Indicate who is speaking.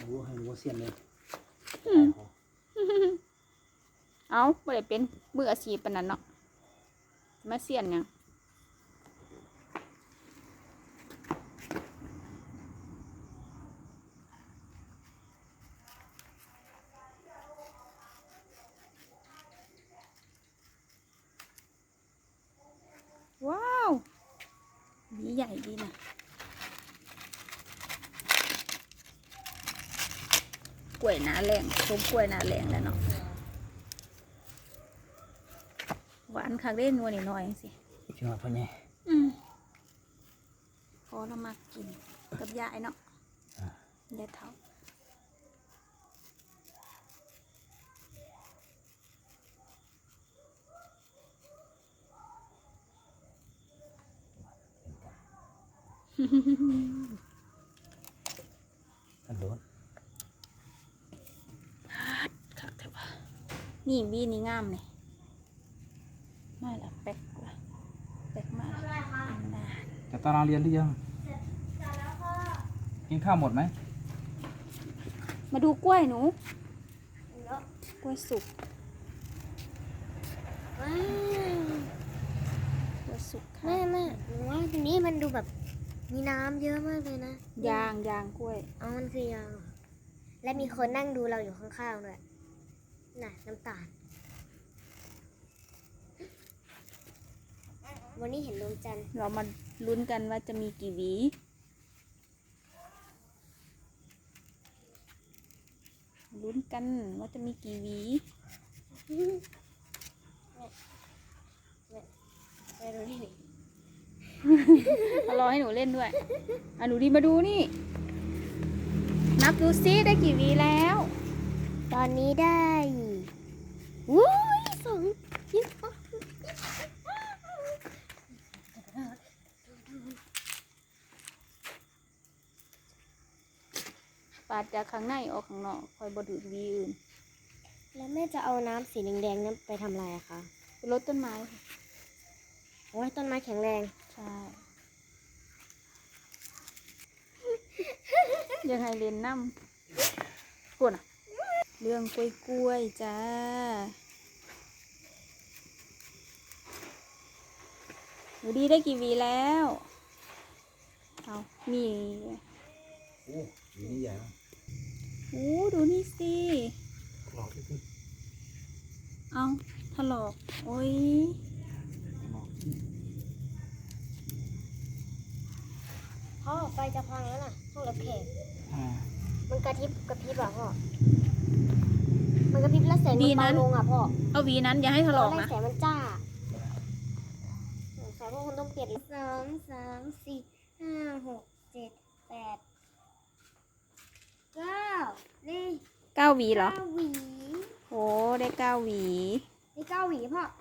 Speaker 1: รู้ให้รู้เสียนเลย
Speaker 2: เอาบ่ได้เป็นมืออาชีพปานนั้นเนาะมาเสียนยังว้าวดีใหญ่ดีนะกล้วยหนาแรงต้มกล้วยหนาแรงแล้วเนาะหวานคักเล่นนัวนิดหน่อยสิ
Speaker 1: ชิมพ่อใหญ่
Speaker 2: พอเรามากินกับยายเนาะยายเท่า
Speaker 1: อันโดน
Speaker 2: คักเถอะวะนี่บีนี่งามเลยไม่ละแป๊กละแป๊กมากนาน
Speaker 1: จะตารางเรียนหรือยังกินข้าวหมดไหม
Speaker 2: มาดูกล้วยหนูกล้วยสุก
Speaker 3: ว้าว
Speaker 2: กล้วยสุกค่ะ
Speaker 3: แม่หนูว่าทีนี้มันดูแบบมีน้ำเยอะมากเลยนะ
Speaker 2: ยางกล้วย
Speaker 3: อ๋อมันคือยางเหรอและมีคนนั่งดูเราอยู่ข้างๆด้วยน่ะน้ำตาลวันนี้เห็นดวงจันทร์
Speaker 2: เรามาลุ้นกันว่าจะมีกี่หวีลุ้นกันว่าจะมีกี่หวี
Speaker 3: ไม่รู้ที่ไหน
Speaker 2: รอให้หนูเล่นด้วยหนูดีมาดูนี่นับดูซิได้กี่หวีแล้ว
Speaker 3: ตอนนี้ได้วุ้ยยี่สิบ
Speaker 2: ปาดจากข้างในออกข้างนอกคอยบดูดหวีอื่น
Speaker 3: แล้วแม่จะเอาน้ำสีแดงๆนั้นไปทำอะไรอะคะ
Speaker 2: ไปรดต้นไม้
Speaker 3: โอ้ยต้นไม้แข็งแรง
Speaker 2: ใช่ยังไงเรียนน้ำปวดอ่ะเรื่องกล้วยจ้าหนูดีได้กี่หวีแล้วเอามี
Speaker 1: โอ้วีนี่ใหญ่มาก
Speaker 2: โอ้ดูนี่สิ
Speaker 1: หลอกที่
Speaker 2: เอาถลอกโอ้ย
Speaker 3: พ่อไฟจะพังแล้วน่ะห้องรับแขก
Speaker 1: อ่า
Speaker 3: มันกระพริบอ่ะพ่อมันกระพริบแล้วแสงมันเบาลงอ่ะพ่อ
Speaker 2: เอาหวีนั้นอย่าให้ถลอก
Speaker 3: ไล่
Speaker 2: นะ
Speaker 3: แสงมันจ้าสายพวกคุณต้องเปลี่ยน2 3 4 5 6 7 8 9นี่
Speaker 2: 9 หวีเหรอ
Speaker 3: 9 หวี
Speaker 2: โอ้ได้9 หวี
Speaker 3: นี่9 หวีพ่อ